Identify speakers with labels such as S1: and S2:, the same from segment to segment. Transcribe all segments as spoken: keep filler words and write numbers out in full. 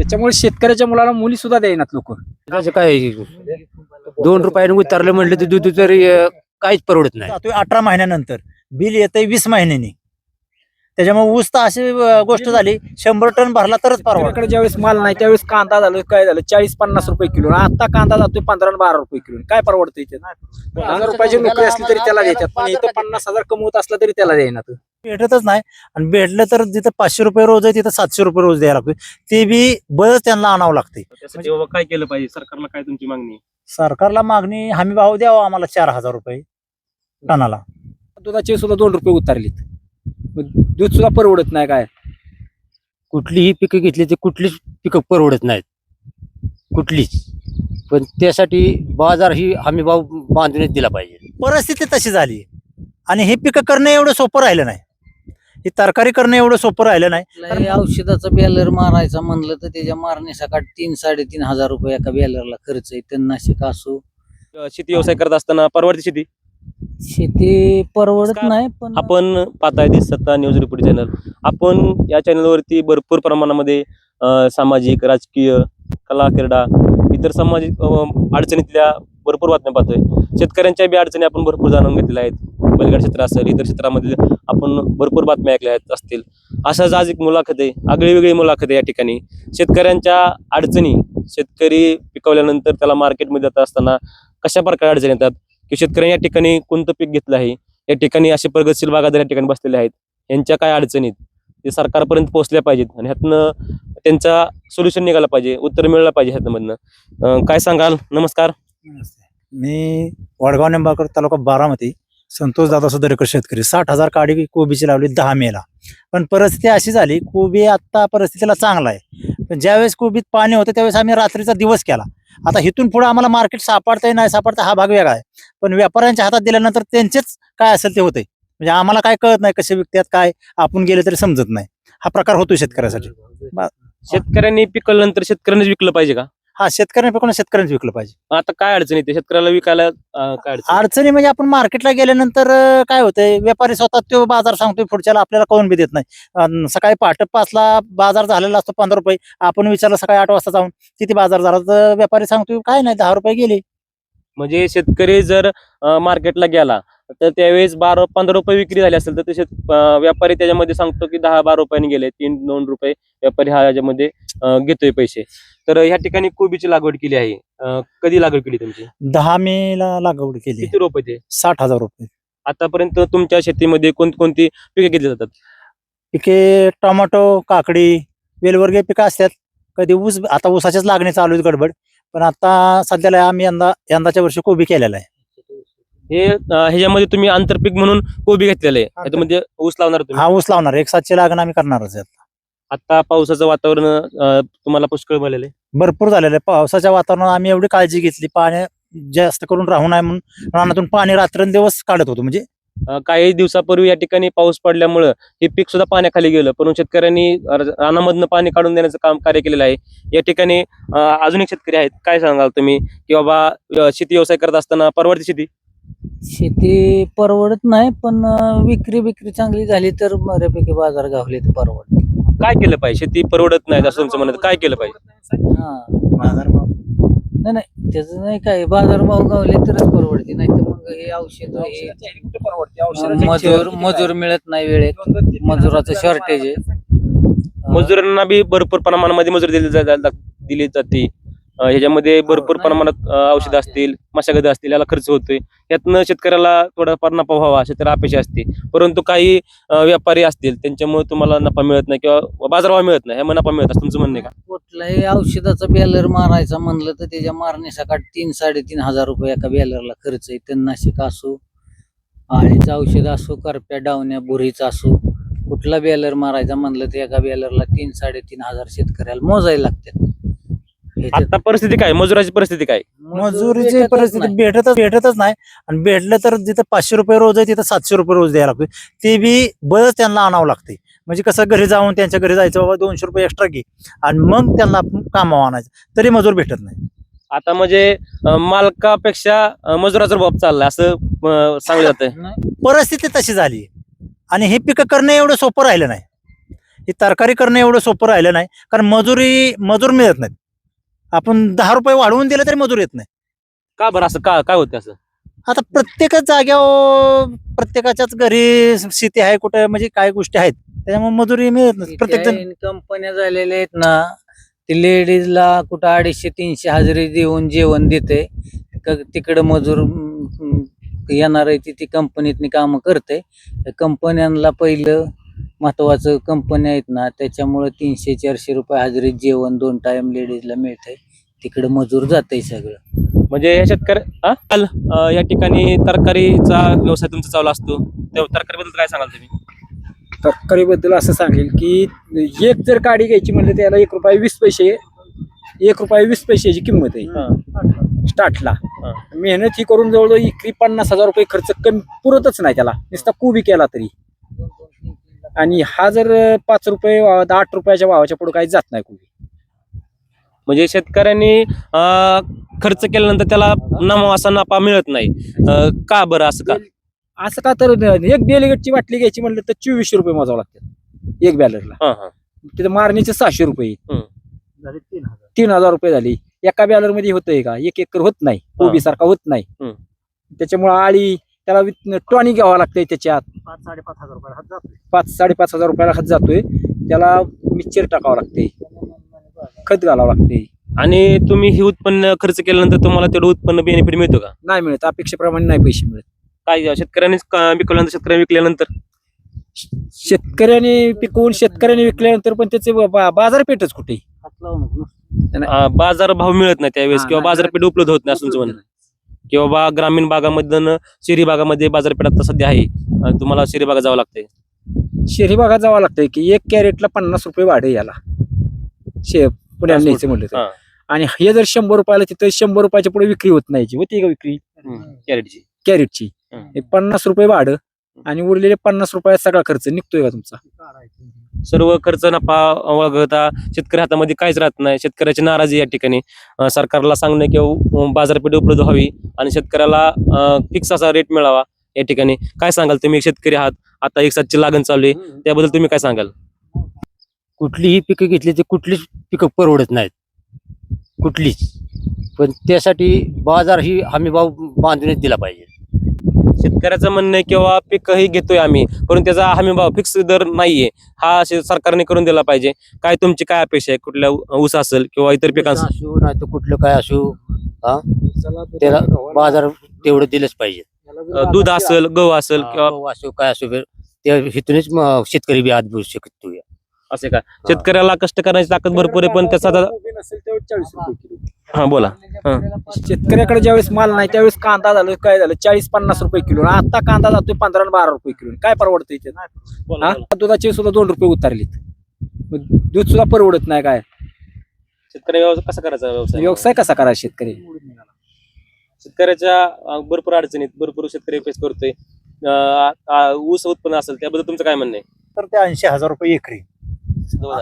S1: त्याच्यामुळे शेतकऱ्याच्या मुलाला मुली सुद्धा द्यायनात लोक.
S2: त्याचं काय दोन रुपयाने उतरलं म्हटलं तर दूध तरी अं, काहीच परवडत नाही.
S3: जातोय अठरा महिन्यानंतर बिल येतंय वीस महिन्यांनी. त्याच्यामुळे ऊस तर अशी अं, गोष्ट झाली शंभर टन भरला तरच परवडत.
S1: शेतकऱ्याकडे ज्यावेळेस माल नाही त्यावेळेस कांदा झालं काय झालं चाळीस पन्नास रुपये किलो. आता कांदा जातोय पंधरा आणि बारा रुपये किलो. काय परवडतं इथे? हजार रुपयाची नोकरी असली तरी त्याला देतात, पण इथं पन्नास हजार कमवत असला तरी त्याला द्यायनात.
S3: भेटतच नाही. आणि भेटलं तर जिथं पाचशे रुपये रोज आहे तिथं सातशे रुपये रोज द्यायला लागतोय. ते बी बळच त्यांना आणावं लागते.
S4: त्यासाठी बाबा काय केलं पाहिजे? सरकारला काय तुमची मागणी आहे?
S3: सरकारला मागणी हमी भाव द्यावा आम्हाला चार हजार रुपये टनाला.
S1: दुधाचे सुद्धा दोन रुपये उतारलेत. दूध सुद्धा परवडत नाही. काय
S2: कुठलीही पिकं घेतली तर कुठलीच पिकं परवडत नाहीत, कुठलीच. पण त्यासाठी बाजार ही हमी भाव बांधूनच दिला पाहिजे.
S3: परिस्थिती तशी झाली आणि हे पिकं करणं एवढं सोपं राहिलं नाही. ही तरकारी करणं एवढं सोपं राहिलं नाही.
S5: कुठलाही औषधाचा बॅलर मारायचा म्हणलं तर त्याच्या मारण्यासाठी तीन साडेतीन हजार रुपये एका बॅलरला खर्च आहे. तणनाशक असो,
S4: शेती व्यवसाय करत असताना परवडते शेती?
S5: शेती परवडत
S4: नमस्कार.
S5: नाही. पण
S4: आपण पाहताय दी सत्ता न्यूज रिपोर्ट चॅनल. आपण या चॅनलवरती भरपूर प्रमाणामध्ये अ, सामाजिक, राजकीय, कला, क्रीडा, इतर सामाजिक अ, अडचणीतल्या भरपूर बातम्या पाहतोय. शेतकऱ्यांच्या बी अडचणी आपण भरपूर जाणून घेतलेल्या आहेत. बलगड क्षेत्र असेल, इतर क्षेत्रामधील आपण भरपूर बातम्या ऐकल्या आहेत असतील. अशाच आज एक मुलाखत आहे, आगळी वेगळी मुलाखत आहे या ठिकाणी. शेतकऱ्यांच्या अडचणी, शेतकरी पिकवल्यानंतर त्याला मार्केटमध्ये जात असताना कशा प्रकारे अडचणी येतात, की शेतकऱ्यांनी या ठिकाणी कोणतं पीक घेतलं आहे, या ठिकाणी असे प्रगतशील बागायतदार या ठिकाणी बसलेले आहेत, यांच्या काय अडचणीत ते सरकारपर्यंत पोहोचल्या पाहिजेत आणि ह्यातनं त्यांचा सोल्युशन निघाला पाहिजे, उत्तर मिळालं पाहिजे ह्यातमधनं. अं, काय सांगाल? नमस्कार.
S3: मी वडगाव निंबाळकर तालुका बारामती संतोष दादा सुधारेकर शेतकरी. साठ हजार काडी कोबीची लावली दहा मेला. पण परिस्थिती अशी झाली, कोबी आता परिस्थितीला चांगला आहे. पण ज्यावेळेस कोबीत पाणी होतं त्यावेळेस आम्ही रात्रीचा दिवस केला. आता इथून पुढे आम्हाला मार्केट सापडतंय नाही सापडतं हा भाग वेगळा आहे. पण व्यापाऱ्यांच्या हातात दिल्यानंतर त्यांचेच काय असेल ते होतंय. म्हणजे आम्हाला काय कळत नाही कसे विकतात काय, आपण गेले तरी समजत नाही. हा प्रकार होतो शेतकऱ्यासाठी.
S4: शेतकऱ्यांनी पिकवल्यानंतर शेतकऱ्यांनीच विकलं पाहिजे का?
S3: हा, शेतकऱ्यांनी पिकवून शेतकऱ्यांनी विकलं पाहिजे.
S4: आता काय अडचण येते शेतकऱ्याला विकायला? अं, काय अडचण?
S3: अडचणी म्हणजे आपण मार्केटला गेल्यानंतर अं, काय होतंय, व्यापारी स्वतः तो बाजार सांगतोय पुढच्याला, आपल्याला कळून बी देत नाही. अन् सकाळी पहाटे पाचला बाजार झालेला असतो पंधरा रुपये. आपण विचारलं सकाळी आठ वाजता जाऊन किती बाजार झाला, तर व्यापारी सांगतोय काय नाही दहा रुपये गेले.
S4: म्हणजे शेतकरी जर अं, मार्केटला गेला तर त्यावेळेस बारा पंधरा रुपये विक्री झाली असेल तर ते शेत अं, व्यापारी त्याच्यामध्ये सांगतो की दहा बारा रुपयांनी गेले, तीन दोन रुपये व्यापारी हा याच्यामध्ये अं, घेतोय पैसे. तर ह्या ठिकाणी कोबीची लागवड केली आहे. अं, कधी लागवड केली तुमची?
S3: दहा मे ला लागवड केली.
S4: किती रोप ते?
S3: साठ हजार रुपये.
S4: आतापर्यंत तुमच्या शेतीमध्ये कोणकोणती पिके घेतली जातात?
S3: पिके टोमॅटो, काकडी, वेलवर्गीय पिकं असतात. कधी ऊस, आता ऊसाच्याच लागणी चालू आहेत गडबड. पण आता सध्याला आम्ही यंदा यंदाच्या वर्षी कोबी केलेला आहे.
S4: हे अं, ह्याच्यामध्ये तुम्ही आंतरपीक म्हणून कोबी घेतलेलं आहे. त्याच्यामध्ये ऊस लावणार तुम्ही?
S3: हा, ऊस लावणार. एक सातशे लागण आम्ही करणारच आहे.
S4: आता पावसाचं वातावरण अं, तुम्हाला पुष्कळ मिळालेलं आहे.
S3: भरपूर झालेलं आहे. पावसाच्या वातावरणात आम्ही एवढी काळजी घेतली, पाणी जास्त करून राहू नये म्हणून रानातून पाणी रात्रंदिवस काढत होतो. म्हणजे
S4: अं, काही दिवसापूर्वी या ठिकाणी पाऊस पडल्यामुळं हे पीक सुद्धा पाण्याखाली गेलं, परंतु शेतकऱ्यांनी र- रानामधनं पाणी काढून देण्याचं काम कार्य केलेलं आहे. या ठिकाणी अं, अजून एक शेतकरी आहेत. काय सांगाल तुम्ही की बाबा अं, शेती व्यवसाय करत असताना परवडते शेती?
S5: शेती परवडत नाही. पण अं, विक्री विक्री चांगली झाली तर बऱ्यापैकी बाजार गावले तर परवडत.
S4: काय केलं पाहिजे? शेती परवडत नाही असं तुमचं म्हणत, काय केलं पाहिजे?
S5: हा, नाही नाही त्याचं नाही काय, बाजारभाव गावले तरच परवडते. नाही तर मग हे औषध हे मजूर मजूर मिळत नाही वेळेत. मजुराचं शॉर्टेज आहे.
S4: मजुरांना बी भरपूर प्रमाणामध्ये मजुरी दिली जा- दिली जाते. अं, ह्याच्यामध्ये भरपूर प्रमाणात अं, औषधं असतील, मशागत असतील, याला खर्च होतोय. यातनं शेतकऱ्याला थोडाफार नफा व्हावा शेतकऱ्याला अपेक्षा असते. परंतु काही अं, व्यापारी असतील त्यांच्यामुळे तुम्हाला नफा मिळत नाही किंवा बाजारभाव मिळत नाही, ह्यामुळे नफा मिळत असं तुमचं म्हणणं आहे का?
S5: कुठलाही औषधाचा बॅलर मारायचा म्हणलं तर त्याच्या मारण्यासाठी तीन साडेतीन हजार रुपये एका बॅलरला खर्च आहे. तणनाशक असो, आळीचं औषध असो, करप्या, डावण्या, बुरीचा असो, कुठला बॅलर मारायचा म्हणलं तर एका बॅलरला तीन साडेतीन हजार शेतकऱ्याला मोजायला लागतात. ह्याच्यात
S4: आता परिस्थिती काय? मजुराची परिस्थिती काय?
S3: मजुरीची
S5: भेटतच
S3: परिस्थिती
S5: नाही.
S3: भेटतच भेटतच नाही. आणि भेटलं तर जिथं पाचशे रुपये रोज आहे तिथं सातशे रुपये रोज द्यायला लागतोय. ते बी बळच त्यांना आणावं लागते. म्हणजे कसं घरी जाऊन त्यांच्या घरी जायचं, बाबा दोनशे रुपये एक्स्ट्रा घे आणि मग त्यांना कामावर आणायचं, तरी मजूर भेटत नाही.
S4: आता म्हणजे अं, मालकापेक्षा अं, मजुराचा बाब चाललाय असं अं, सांगलं जातंय.
S5: नाही.
S3: परिस्थिती तशी झाली आणि हे पिकं करणं एवढं सोपं राहिलं नाही. ही तरकारी करणं एवढं सोपं राहिलं नाही, कारण मजुरी मजूर मिळत नाहीत. आपण दहा रुपये वाढवून दिले तरी मजूर येत नाही.
S4: का बरं असं का काय होतं असं?
S3: आता प्रत्येकच जाग्यावर प्रत्येकाच्याच घरी शेती आहे, कुठे म्हणजे काय गोष्टी आहेत, त्याच्यामुळे मजुरी मिळत नाही. प्रत्येक जण
S5: कंपन्या झालेल्या आहेत ना, ते लेडीजला कुठं अडीचशे तीनशे हजेरी देऊन जेवण देते. तिकडे मजूर अं, येणार आहे ती ती कंपनीतनी कामं करते. कंपन्यांना पहिलं महत्वाचं कंपन्या आहेत ना, त्याच्यामुळे तीनशे चारशे रुपये हजेरीत जेवण दोन टाइम लेडीजला मिळतंय. तिकडे मजूर जाते सगळं.
S4: म्हणजे या शेतकरी हा? काल, अं, या ठिकाणी तरकारीचा व्यवसाय तुमचा चालू असतो, त्या तरकारीबद्दल काय सांगाल तुम्ही?
S1: तरकारीबद्दल असं सांगेल की एक जर काडी घ्यायची म्हणलं त्याला एक रुपये वीस पैसे एक रुपये वीस पैशाची किंमत आहे स्टार्टला.
S4: हा.
S1: मेहनत ही करून जवळजवळ इकरी पन्नास हजार रुपये खर्च कमी पुरतच नाही त्याला, नुसता कोबी केला तरी. आणि हा जर पाच रुपये आठ रुपयाच्या भावाच्या पुढे काही जात नाही कोबी.
S4: म्हणजे शेतकऱ्यांनी अं, खर्च केल्यानंतर त्याला नफा असा नफा मिळत नाही. अं, का बरं असं का?
S1: असं का तर एक बेलगटची बाटली घ्यायची म्हणलं तर चोवीसशे रुपये मोजावं लागतात एक बॅलरला.
S4: हा हा
S1: तिथे मारणीचे सहाशे रुपये
S4: हम्म.
S1: तीन हजार रुपये झाले. एका बॅलर मध्ये होतंय का? एक एकर होत नाही, कोबी सारखा होत नाही.
S4: हम्म.
S1: त्याच्यामुळे आळी त्याला टॉनिक घ्यावा लागतंय, त्याच्यात
S3: पाच साडेपाच हजार रुपये हात जातोय.
S1: पाच साडेपाच हजार रुपयाला खत जातोय. त्याला मिक्सचर टाकावं लागते, खत घालावं लागते.
S4: आणि तुम्ही हे उत्पन्न खर्च केल्यानंतर तुम्हाला तेवढं उत्पन्न बेनिफिट मिळतो का?
S1: नाही मिळत, अपेक्षेप्रमाणे नाही पैसे मिळत.
S4: काय शेतकऱ्यांनी विकल्यानंतर शेतकऱ्यांनी विकल्यानंतर
S1: शेतकऱ्याने पिकवून शेतकऱ्याने विकल्यानंतर पण त्याचे बा- बाजारपेठच कुठे?
S4: अं, बाजार भाव मिळत नाही त्यावेळेस,
S1: हा,
S4: किंवा
S1: नाही,
S4: बाजारपेठ उपलब्ध होत नाही असं तुमचं म्हणणं. किंवा बा ग्रामीण भागामधून शहरी भागामध्ये बाजारपेठ आता सध्या आहे, अं, तुम्हाला शहरी भागात जावं लागतंय.
S1: शहरी भागात जावं लागतंय की एक कॅरेटला पन्नास रुपये वाढे याला शे पुण्याला न्यायचं म्हणलं तर.
S4: हा.
S1: आणि हे जर शंभर रुपयाला तिथं शंभर रुपयाच्या पुढे विक्री होत नाही, होती का विक्री
S4: कॅरेटची.
S1: कॅरेटची?
S4: हम्म.
S1: हे पन्नास रुपये भाडं आणि उरलेले पन्नास रुपयात सगळा खर्च निघतोय का तुमचा?
S4: सर्व खर्च नफा वगळता शेतकरी हातामध्ये काहीच राहत नाही. शेतकऱ्याची नाराजी या ठिकाणी. अं, सरकारला सांगणं किंवा बाजारपेठ उपलब्ध व्हावी आणि शेतकऱ्याला फिक्स असा रेट मिळावा. या ठिकाणी काय सांगाल तुम्ही? एक शेतकरी आहात, आता एक सातची लागण चालू आहे, त्याबद्दल तुम्ही काय सांगाल?
S2: कुठलीही पिकं घेतली तर कुठलीच पिकं परवडत नाहीत, कुठलीच. पण त्यासाठी बाजार ही हमी भाव बांधूनच दिला पाहिजे.
S4: शेतकऱ्याचं म्हणणं आहे किंवा पीकही घेतोय आम्ही, परंतु त्याचा हमी भाव फिक्स दर नाहीये, हा शे- सरकारने करून दिला पाहिजे. काय तुमची काय अपेक्षा आहे? कुठल्या ऊ- ऊस असेल किंवा इतर पिकांचं?
S2: असो नाही तर कुठलं काय असो, हा त्याला बाजार तेवढं दिलंच पाहिजे.
S4: अं, दूध असेल, गहू असेल किंवा
S2: गहू असो काय असो, त्या हिथूनच म- शेतकरी बी आत बसू शकतो.
S4: असे का? शेतकऱ्याला कष्ट करण्याची ताकद भरपूर आहे, पण त्याचा आता-
S1: कोबी नसेल त्यावेळेस चाळीस रुपये किलो.
S4: हा बोला. हा.
S1: शेतकऱ्याकडे ज्यावेळेस माल नाही त्यावेळेस कांदा झालं काय झालं चाळीस पन्नास रुपये किलो. आता कांदा जातोय पंधरा आणि बारा रुपये किलो. काय परवडतं इथे?
S4: बोला,
S1: हा?
S4: बोला.
S1: दुधाचे सुद्धा दोन रुपये उतारलेत. मग दूध सुद्धा परवडत नाही. काय
S4: शेतकरी व्यवसाय कसा करायचा? व्यवसाय
S1: व्यवसाय कसा करायचा शेतकरी?
S4: शेतकऱ्याच्या अं, भरपूर अडचणीत भरपूर शेतकरी फेस करतोय. अं, आ- ऊस उत्पन्न असेल त्याबद्दल तुमचं काय म्हणणं आहे?
S3: तर ते ऐंशी हजार रुपये एकरी.
S4: हा,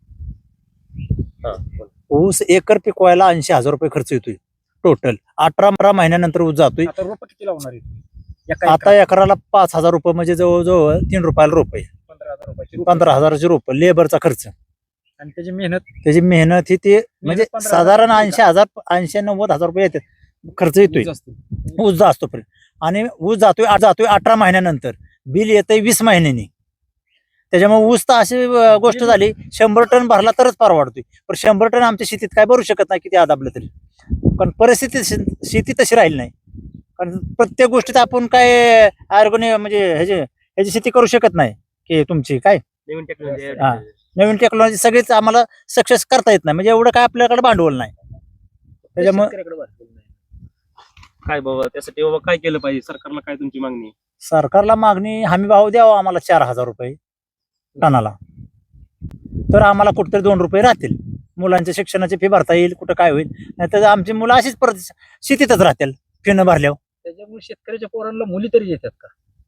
S4: बोला.
S3: ऊस एकर पिकवायला ऐंशी हजार रुपये खर्च येतोय टोटल. अठरा अठरा महिन्यानंतर ऊस जातोय.
S1: आता रोप किती लावणार आहे? एका
S3: आता एकराला पाच हजार रुपये म्हणजे जवळजवळ तीन रुपयाला रुपये,
S1: पंधरा हजार रुपयाची रोपं.
S3: पंधरा हजाराचे रुप लेबरचा खर्च,
S1: आणि त्याची मेहनत
S3: त्याची मेहनत ही ते म्हणजे
S1: पंधरा
S3: साधारण
S1: हजार
S3: ऐंशी हजार ऐंशी नव्वद हजार रुपये येतात खर्च येतोय.
S1: जास्त.
S3: ऊस जास्त पर्यंत. आणि ऊस जातोय जातोय अठरा महिन्यानंतर, बिल येतंय वीस महिन्यांनी. त्याच्यामुळे ऊस तर अशी अं, गोष्ट झाली, शंभर टन भरला तरच परवडतोय. पण शंभर टन आमच्या शेतीत काय भरू शकत नाही किती आदाबलं तरी. कारण परिस्थिती शे- शेती तशी राहील नाही. कारण प्रत्येक गोष्टीत आपण काय ऑर्गॅनिक म्हणजे ह्याची ह्याची शेती करू शकत नाही की तुमची काय
S4: नवीन टेक्नॉलॉजी
S3: हा. नवीन टेक्नॉलॉजी सगळीच आम्हाला सक्सेस करता येत नाही. म्हणजे एवढं काय आपल्याकडे भांडवल नाही. त्याच्यामुळे
S1: शेतकऱ्याकडे भरपूर नाही.
S4: काय बाबा त्यासाठी बाबा काय केलं पाहिजे? सरकारला काय तुमची मागणी आहे?
S3: सरकारला मागणी हमी भाव द्यावा आम्हाला चार हजार रुपये टनाला, तर आम्हाला कुठेतरी दोन रुपये राहतील. मुलांच्या शिक्षणाची फी भरता येईल, कुठं काय होईल. नाहीतर आमची मुलं अशीच परत शेतीतच राहतील फी न भरल्यावर.
S1: त्याच्यामुळे शेतकऱ्याच्या पोरांना मुली तरी येतात का?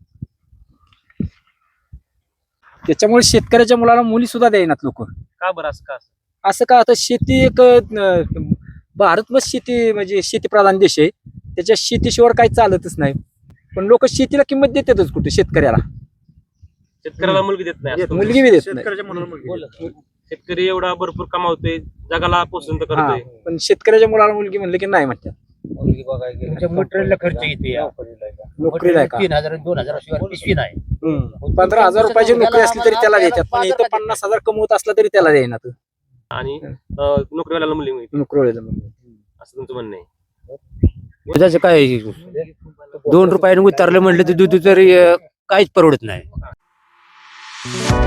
S1: त्याच्यामुळे शेतकऱ्याच्या मुलाला मुली सुद्धा द्यायनात लोक.
S4: का बरं असं का?
S1: असं का? आता शेती एक अं, भारत मग शेती म्हणजे शेतीप्रधान देश आहे. त्याच्या शेतीशिवाय काही चालतच नाही. पण लोक शेतीला किंमत देतातच कुठे? शेतकऱ्याला
S4: शेतकऱ्याला मुलगी देत नाही असं
S1: मुलगी बी देत नाही
S4: शेतकरी एवढा भरपूर कमावतोय, जगाला पोषण तर
S1: हा,
S4: करतोय.
S1: पण शेतकऱ्याच्या मुलाला मुलगी म्हणलं की नाही म्हणतात.
S2: मटेरियलला खर्च येते
S1: नोकरीला आहे का?
S2: तीन हजार दोन हजार शिवाय पिशवी नाही.
S1: हम्म. पंधरा हजार रुपयाची नोकरी असली तरी त्याला देतात, पण इथं पन्नास हजार कमवत असला तरी त्याला देईना तू
S4: आणि अं, नोकरीवाल्याला मुलगी मिळते
S1: नोकरीला.
S4: असं तुमचं म्हणणं आहे.
S2: दुधाचं काय दोन रुपयाने उतरलं म्हटलं तर दूध तरी अं, काहीच परवडत नाही.